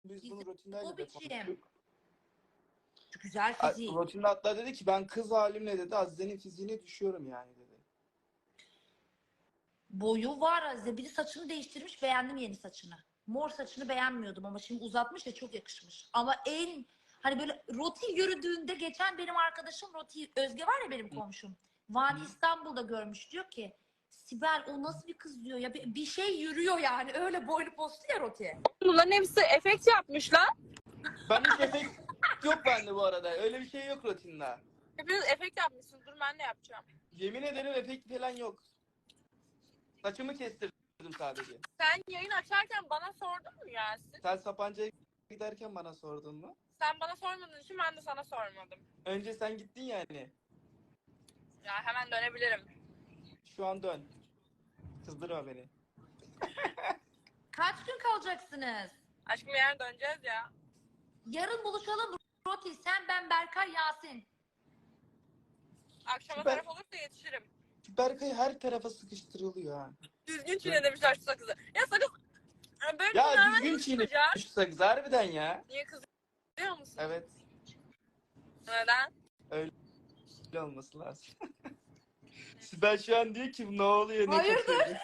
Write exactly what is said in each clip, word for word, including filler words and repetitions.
biz bunu Bizim rutinlerle o de biçim. konuştuk. Güzel A- fiziği. Rutinde hatta dedi ki ben kız halimle dedi Azize'nin fiziğine düşüyorum yani dedi. Boyu var Azize. Bir de saçını değiştirmiş. Beğendim yeni saçını. Mor saçını beğenmiyordum ama şimdi uzatmış ya çok yakışmış. Ama en hani böyle roti yürüdüğünde geçen benim arkadaşım Roti Özge var ya benim komşum. Vadi İstanbul'da görmüş diyor ki Sibel o nasıl bir kız diyor ya bir, bir şey yürüyor yani öyle boylu postlu ya Roti. Bunların hepsi efekt yapmışlar. Ben hiç efekt yok bende bu arada. Öyle bir şey yok rutinde. Hepiniz efekt yapmışsınız. Dur ben de yapacağım. Yemin ederim efekt falan yok. Saçımı kestirdim sadece. Sen yayın açarken bana sordun mu Yasin? Sen Sapanca'ya giderken bana sordun mu? Sen bana sormadığın için ben de sana sormadım. Önce sen gittin yani. Ya hemen dönebilirim. Şu an dön. Kızdırma beni. Kaç gün kalacaksınız? Aşkım yarın döneceğiz ya. Yarın buluşalım Roti sen ben Berkay Yasin. Akşama Süper. taraf olursa yetişirim. Berkay her tarafa sıkıştırılıyor ha. Düzgün çiğne demişler şu sakızı. Ya sakız... Ya böyle Ya bunlar düzgün nasıl çiğne çıkacak? şu sakız harbiden ya. Niye kızıyor musun? Evet. Neden? Öyle olması lazım. Sibel şu an diyor ki ne oluyor ne Hayırdır? kaçıyor?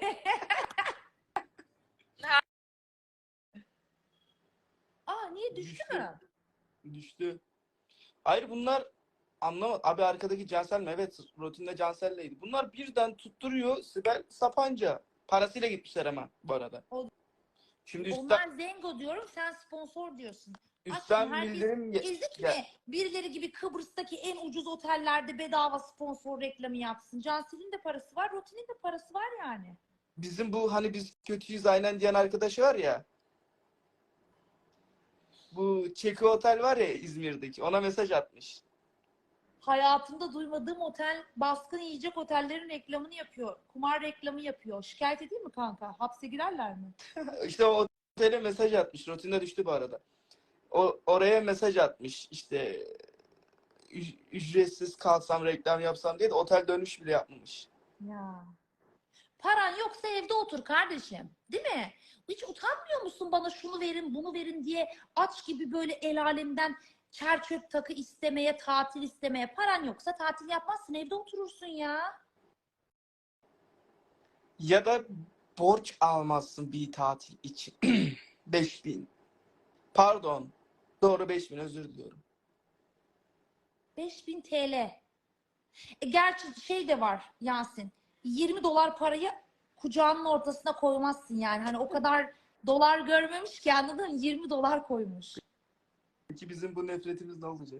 Aa niye düştü, Düştü. mü? Düştü. Hayır bunlar anlamadım. Abi arkadaki Cansel mi? Evet rutinde Cansel'leydi. Bunlar birden tutturuyor Sibel Sapanca. Parasıyla gitmişler ama bu arada. O- Şimdi üstten, Onlar zengo diyorum sen sponsor diyorsun. üstten Aşkım, herkes bildirim ge- İzlik gel- mi? Birileri gibi Kıbrıs'taki en ucuz otellerde bedava sponsor reklamı yapsın. Cansel'in de parası var, Roti'nin de parası var yani. Bizim bu hani biz kötüyüz aynen diyen arkadaşı var ya. Bu Çeki Otel var ya İzmir'deki. Ona mesaj atmış. Hayatımda duymadığım otel, baskın yiyecek otellerin reklamını yapıyor. Kumar reklamı yapıyor. Şikayet edeyim mi kanka? Hapse girerler mi? İşte o otele mesaj atmış. Rutinde düştü bu arada. O oraya mesaj atmış. İşte üc- ücretsiz kalsam reklam yapsam diye de otel dönüş bile yapmamış. Ya. Paran yoksa evde otur kardeşim. Değil mi? Hiç utanmıyor musun bana şunu verin, bunu verin diye aç gibi böyle el alemden çer çöp takı istemeye, tatil istemeye. Paran yoksa tatil yapmazsın, evde oturursun ya. Ya da borç almazsın bir tatil için. beş bin. Pardon. Doğru beş bin özür diliyorum. beş bin T L. E, gerçi şey de var Yasin. yirmi dolar parayı kucağının ortasına koymazsın yani. Hani o kadar dolar görmemiş ki anladın mı? yirmi dolar koymuş. Peki bizim bu nefretimiz ne olacak?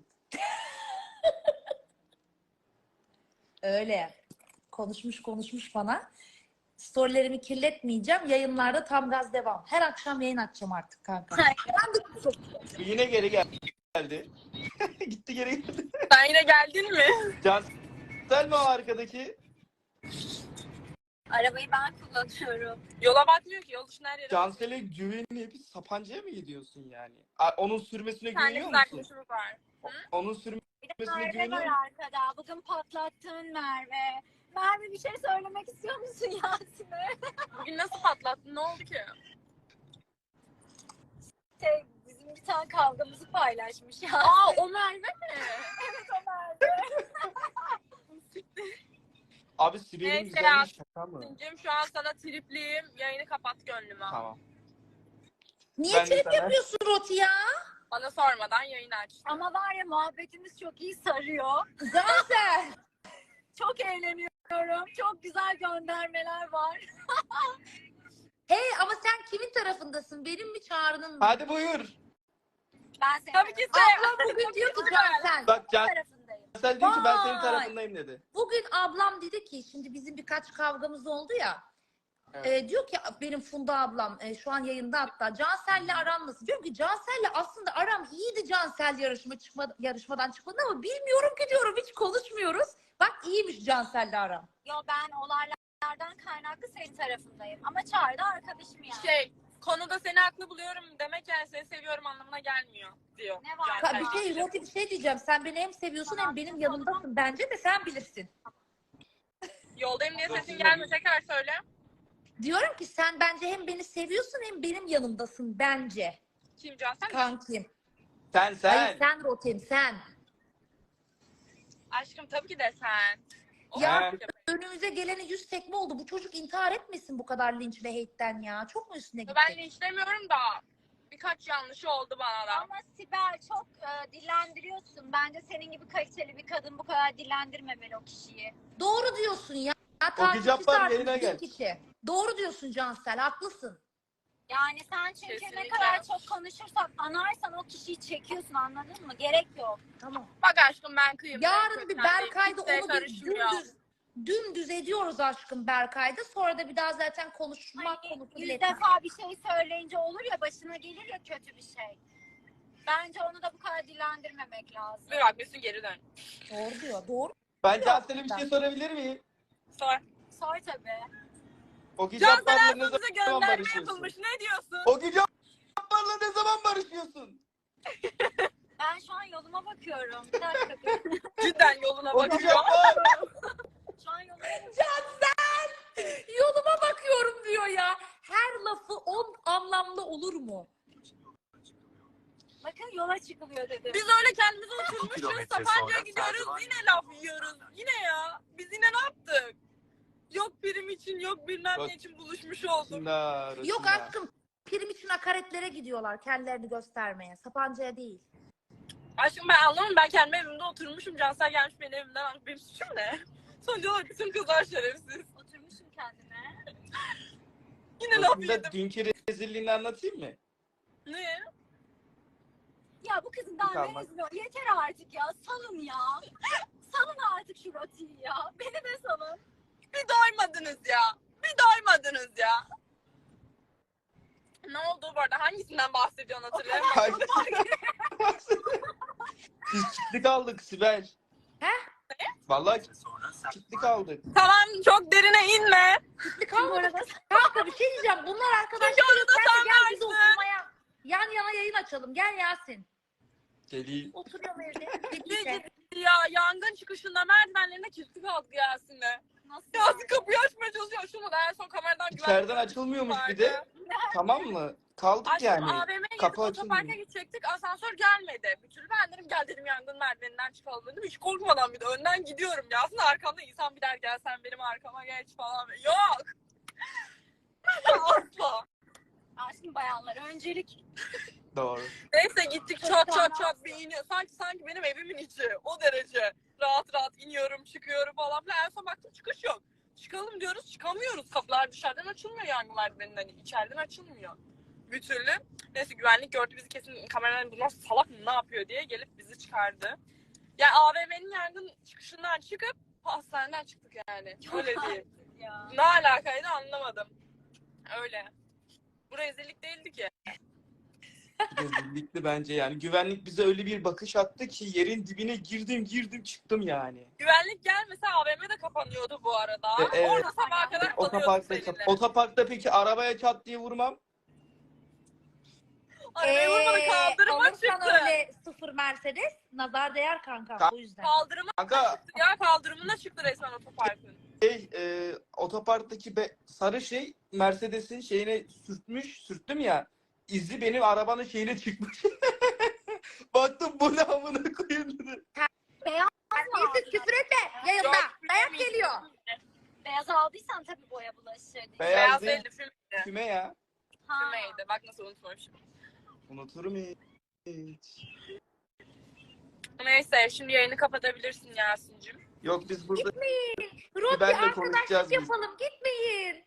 Öyle. Konuşmuş konuşmuş bana. Storylerimi kirletmeyeceğim. Yayınlarda tam gaz devam. Her akşam yayın açacağım artık kanka. Ben de Yine geri gel- geldi. Gitti geri geldi. Sen yine geldin mi? Cansel mi o arkadaki? Arabayı ben kullanıyorum. Yola bakmıyor ki. Yol dışına her yere. Cansel'e güvenip Sapanca'ya mı gidiyorsun yani? A- Onun sürmesine Bir tane güveniyor kız musun? arkadaşımız var. Onun Bir de sürmesine Merve güveniyor var musun? arkada. Bugün patlattın Merve. Merve bir şey söylemek istiyor musun Yasin'e? Bugün nasıl patlattın? Ne oldu ki? Şey, bizim bir tane kavgamızı paylaşmış ya. Aa o Merve mi? Evet o Merve. Abi Sibel'in Neyse güzelliği ya. şaka mı? Cim şu an sana tripliyim. Yayını kapat gönlüme. Tamam. niye Ben de trip sana- yapıyorsun Roti ya? Bana sormadan yayın aç. Ama var ya muhabbetimiz çok iyi sarıyor. Cansel. Çok eğleniyorum. Çok güzel göndermeler var. Hey ama sen kimin tarafındasın? Benim mi Çağrı'nın mı? Hadi buyur. Ben senin Tabii ki sen. Ablam bugün diyor ki Cansel. Bak tarafındayım. Cansel diyor ki ben senin Vay. tarafındayım dedi. Bugün ablam dedi ki şimdi bizim birkaç kavgamız oldu ya. Evet. E, diyor ki benim Funda ablam e, şu an yayında hatta Cansel'le aram nasıl? Diyorum ki Cansel'le aslında aram iyiydi Cansel yarışma çıkma, yarışmadan çıkmadı ama bilmiyorum ki diyorum hiç konuşmuyoruz. Bak iyiymiş Cansel'le aram. Yo ben olaylardan kaynaklı senin tarafındayım. Ama Çağrı da arkadaşım yani. Şey konuda seni haklı buluyorum demek yani seni seviyorum anlamına gelmiyor diyor. Ne var? Cansel Ka- bir şey kişi. Roti bir şey diyeceğim. Sen beni hem seviyorsun hem benim yanımdasın bence de sen bilirsin. Yoldayım diye sesin gelmiyor. Tekrar söyle. Diyorum ki sen bence hem beni seviyorsun hem benim yanımdasın bence. Kim Cansel? Kankim. Sen sen. Hayır sen Rotim sen. Aşkım tabii ki de sen. O Ya He. önümüze gelene yüz tekme oldu. Bu çocuk intihar etmesin bu kadar linç ve hate'den ya. Çok mu üstüne gitti? Ben linçlemiyorum da birkaç yanlışı oldu bana da. Ama Sibel çok e, dillendiriyorsun. Bence senin gibi kaliteli bir kadın bu kadar dillendirmemeli o kişiyi. Doğru diyorsun ya. Ya Ogi takipçisi Cabbar artık yayına bin gel. kişi. Doğru diyorsun Cansel, haklısın. Yani sen çünkü ne Kesinlikle. kadar çok konuşursan, anarsan o kişiyi çekiyorsun, anladın mı? Gerek yok. Tamam. Bak aşkım ben kıyım. Yarın bir Berkay'da Kimseye onu bir karışmıyor. dümdüz, dümdüz ediyoruz aşkım Berkay'da. Sonra da bir daha zaten konuşmak Hani konusu bile yüz etmez. defa bir şey söyleyince olur ya, başına gelir ya kötü bir şey. Bence onu da bu kadar dillendirmemek lazım. Bir bak Mesut geri dön. Doğru diyor. Doğru. Ben Cansel'e bir şey sorabilir miyim? Sor. Sor tabii. Ogi Cansel Cabbar'la ne Ersoğlu'za zaman gönderme barışıyorsun? yapılmış. Ne diyorsun? Ogi Cabbar'la ne zaman barışıyorsun? Ben şu an yoluma bakıyorum. Bir dakika. Cidden yoluna Ogi bakıyor. Cabbar. Şu an yoluma bakıyorum. Cansel! Yoluma bakıyorum diyor ya. Her lafı on anlamlı olur mu? Bakın yola çıkılıyor dedim. Biz öyle kendimize oturmuşuz. kilometre Sapanca'ya sonra gidiyoruz. Serdivan Yine laf yiyoruz. Yine ya. Biz yine ne yaptık? Yok prim için, yok bilmem Bak. ne için buluşmuş olduk. Rosina, Yok Rosina. aşkım. Prim için hakaretlere gidiyorlar kendilerini göstermeye. Sapanca'ya değil. Aşkım ben anlamadım. Ben kendi evimde oturmuşum. Cansel gelmiş benim evimden almış. Benim suçum ne? Sonuç olarak bütün kızlar şerefsiz. Oturmuşum kendime. Yine laf Rosina, yedim. dünkü rezilliğini anlatayım mı? Ne? Ya bu kızın daha Kalmak. ne rezil ol- Yeter artık ya. Salın ya. Salın artık şu rotiyi ya. Beni de salın. Bir doymadınız ya. Bir doymadınız ya. Ne oldu bu arada? Hangisinden bahsediyorsun hatırlayamıyorum. Biz kitlik aldık Sibel. He? Vallahi sonra kitlik aldık. Tamam çok derine inme. Kitli kalmadı. Kanka bir şey diyeceğim. Bunlar arkadaşlar. Çünkü onu da Sen de sen gel biz varsın. oturmaya. Yan yana yayın açalım. Gel Yasin. Geleyim. Oturuyorum evde. Ne Birlikte. ciddi ya yangın çıkışında merdivenlerine kilitli kaldık Yasin'le. Nasıl? Yasin kapıyı açmaya çalışıyor. Açılmadı. En son kameradan İçeriden açılmıyormuş bir de. Tamam mı? Kaldık Aşkım yani. A V M'ye gidip Kapı otoparka açılmıyor. gidecektik. Asansör gelmedi. Bir türlü ben dedim gel dedim yangın merdiveninden çıkalım dedim. Hiç korkmadan bir de önden gidiyorum. Yasin arkamda insan bir der gel sen benim arkama geç falan. Yok. Asla. Aşkım bayanlar öncelik. Doğru. Neyse gittik çat çat çat bir iniyor. Sanki sanki benim evimin içi. O derece. Rahat rahat iniyorum çıkıyorum falan filan. En son baktım çıkış yok. Çıkalım diyoruz çıkamıyoruz. Kapılar dışarıdan açılmıyor yangın merdiveninden. İçeriden açılmıyor. Bir türlü. Neyse güvenlik gördü bizi kesin kameradan bunlar salak mı ne yapıyor diye gelip bizi çıkardı. Yani A V M'nin yangın çıkışından çıkıp hastaneden çıktık yani. Öyle değil. Ya. Ne alakaydı anlamadım. Öyle. Bu rezillik değildi ki. Rezillikli bence yani. Güvenlik bize öyle bir bakış attı ki yerin dibine girdim girdim çıktım yani. Güvenlik gelmese A V M de kapanıyordu bu arada. E, evet. Orada sabaha kadar kalıyorduk Otoparkta, seninle. otoparkta peki arabaya çat diye vurmam. Arabaya vurmadı kaldırıma alırsan çıktı. öyle sıfır Mercedes nazar değer kanka Ka- o yüzden. Kaldırıma Kanka çıktı ya kaldırımına çıktı resmen otoparkın. şey, e, otoparktaki be, sarı şey Mercedes'in şeyine sürtmüş, sürttüm ya. İzi benim arabanın şeyine çıkmış. Baktım bu ne amına koyayım dedi. Beyaz Neyse küfür etme yayında. Yok, Dayak küfür geliyor. Beyaz aldıysan tabii boya bulaşır. Beyaz Beyaz değil, değildi fümeydi. füme ya. Ha. Fümeydi. Bak nasıl unutmamışım. Unuturum hiç. Neyse şimdi yayını kapatabilirsin Yasin'cim. Yok biz burada Roti Sibel'le konuşacağız arkadaşlık biz. yapalım gitmeyin.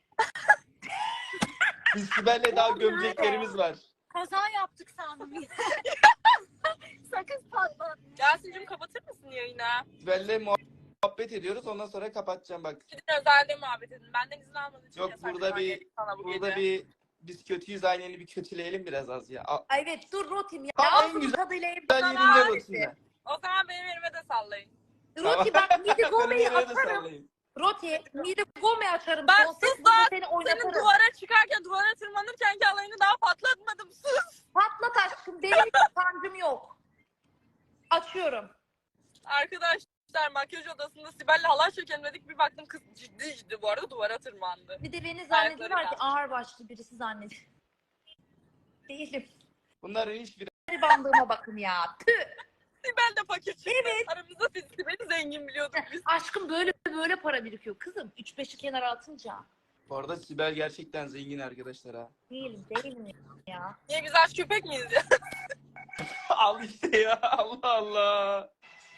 Biz Sibel'le daha gömeceklerimiz var. Kaza yaptık sandım. Sakız patlat. Yasin'cim kapatır mısın yayını? Sibel'le muhabbet ediyoruz ondan sonra kapatacağım bak. Gidin özelde muhabbet edin. Benden izin almadığın için Yok, yasak burada şu an bir- gelip sana bu Burada gece. bir biz kötüyüz ayneni bir kötüleyelim biraz az ya. A- Ay evet dur Rotim ya. Ha, en Ağzının güzel- tadıyla Güzel evden yerinde ağrısı. Rosina. O zaman benim elime de sallayın. Roti bak Midi Gome'yi Ben nereye de atarım. sallayayım. Roti Midi Gome açarım. Bak, Konsept sus burada lan! seni Senin oynatırım. duvara çıkarken duvara tırmanırken ki alayını daha patlatmadım. Sus. Patlat aşkım benim hiç sancım yok. Açıyorum. Arkadaşlar makyaj odasında Sibel'le halay çekelim dedik. Bir baktım kız ciddi ciddi bu arada duvara tırmandı. Bir de beni zannediyorlar ki kalktı. ağır başlı birisi zannediyor. Değilim. Bunların hiçbiri. Bandığıma bakın ya. Tüh. Sibel de fakir çıktı. Evet. Aramızda siz Sibel'i zengin biliyorduk biz. Aşkım böyle böyle para birikiyor. Kızım üç beşi kenara atınca. Bu arada Sibel gerçekten zengin arkadaşlar ha. Değilim değilim ya. Niye biz aç köpek miyiz ya? Al işte ya, Allah Allah.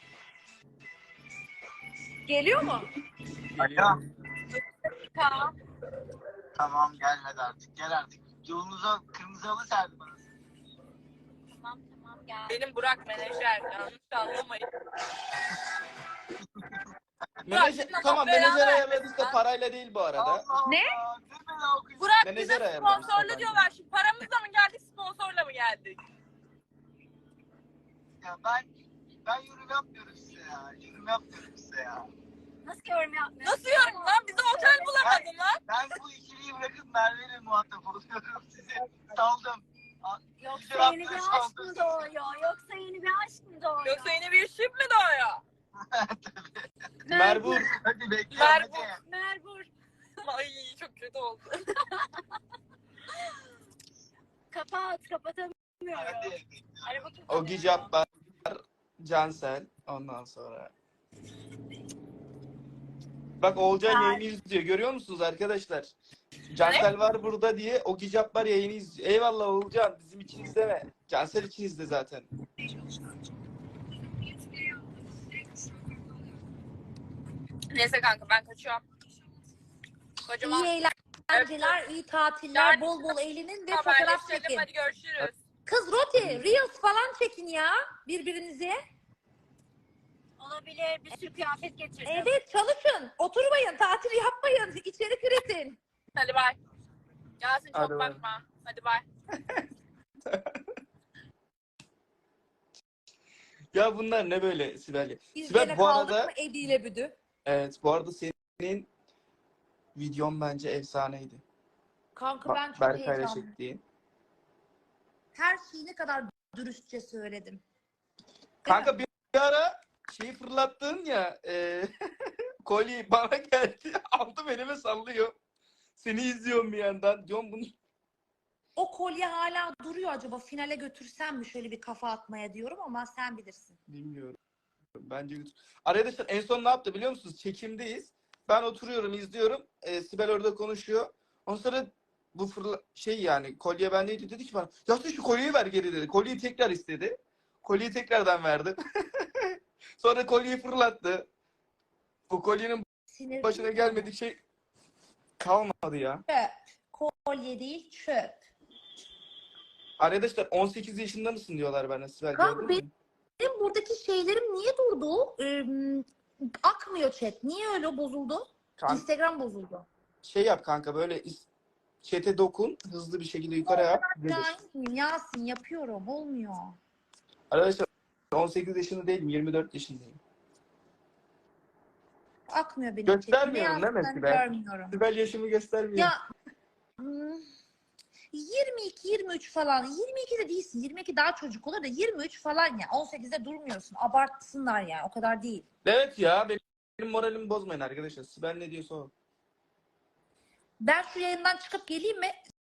Geliyor mu? Geliyor. Tamam. Tamam gelmedi artık. Gel artık. Yolunuza kırmızı halı serdi bana. Tamam tamam gel. Benim Burak menajer. Yanlış anlamayın. Menajer, Burak, tamam beraber menajer vermesin ayarladıysa lan. parayla değil bu arada. Allah Ne? Allah. Dur beni okuyun. Burak Menajer bize ayarlamış sponsorla zaten. diyorlar. Şimdi paramızla mı geldik, sponsorla mı geldik? Ya ben ben yorum yapmıyorum size ya. Yorum yapmıyorum size ya. Nasıl yorum yapmıyorsun? Nasıl yorum lan? Bize otel bulamadın lan. Ben bu ikiliyi bırakıp Merve'yle muhatap oluyorum size. Saldım. Yoksa Güzel yeni bir yaptın, aşk mı doğuyor? Yoksa yeni bir aşk mı doğuyor? Yoksa yeni bir şif mi doğuyor? Merbur. Hadi bekle. Merbur. hadi. Merbur. Ay çok kötü oldu. Kapat kapatamıyorum. Hadi. Araba kapanıyor. Ogi Cabbar, Cansel, ondan sonra. Bak Oğulcan Ay. yayını izliyor. Görüyor musunuz arkadaşlar? Cansel var burada diye Ogi Cabbar yayını izliyor. Eyvallah Oğulcan, bizim için izleme. Cansel için izle zaten. Neyse kanka ben kaçıyorum. Kocaman İyi eğlenceler, iyi tatiller, Yarın bol bol eğlenin ve fotoğraf haberleşelim. çekin. Hadi görüşürüz. Kız Roti, Reels falan çekin ya birbirinize. Olabilir. Bir sürü kıyafet getirdim. Evet çalışın, oturmayın, tatil yapmayın, içerik üretin. Hadi bay. Yasin çok Hadi bay. bakma. Hadi bay. Ya bunlar ne böyle Sibel? ya? Biz Sibel gene bu kaldık arada, mı Edi ile Büdü? evet bu arada senin videon bence efsaneydi. Kanka ben Bak çok Berkay'la heyecanlıyım. çektiğin. Her şeyi ne kadar dürüstçe söyledim. Kanka bir ara şeyi fırlattın ya, e, kolyeyi bana geldi, aldım elime sallıyor. Seni izliyorum bir yandan. Diyorum bunu. O kolye hala duruyor, acaba finale götürsem mi şöyle bir kafa atmaya diyorum ama sen bilirsin. Bilmiyorum. Bence götür. Arkadaşlar en son ne yaptı biliyor musunuz? Çekimdeyiz. Ben oturuyorum, izliyorum. E, Sibel orada konuşuyor. Ondan sonra bu fırla şey yani kolye bendeydi, dedi ki bana ya sen şu kolyeyi ver geri dedi. Kolyeyi tekrar istedi. Kolyeyi tekrardan verdim. Sonra kolyeyi fırlattı. Bu kolyenin Sinir başına gelmedik şey kalmadı ya. Çöp. Kolye değil çöp. Arkadaşlar on sekiz yaşında mısın diyorlar bana Sibel. Kanka, gördün mü? Benim buradaki şeylerim niye durdu? Ee, akmıyor chat. Niye öyle bozuldu? Kan- Instagram bozuldu. şey yap kanka, böyle is- chat'e dokun. Hızlı bir şekilde yukarı yap. gelir. Yasin, Yasin yapıyorum. Olmuyor. Arkadaşlar on sekiz yaşında değilim. yirmi dört yaşındayım. Akmıyor benim Göstermiyorum chatim. Ne değil mi yazdıklarını Sibel? görmüyorum. Sibel yaşımı göstermiyor. Ya hmm, yirmi iki yirmi üç falan. yirmi iki de değilsin. yirmi iki daha çocuk olur da yirmi üç falan ya. on sekizde durmuyorsun. Abartsınlar yani. O kadar değil. Evet ya, benim, benim moralimi bozmayın arkadaşlar. Sibel ne diyorsa o. Ben şu yayından çıkıp geleyim mi?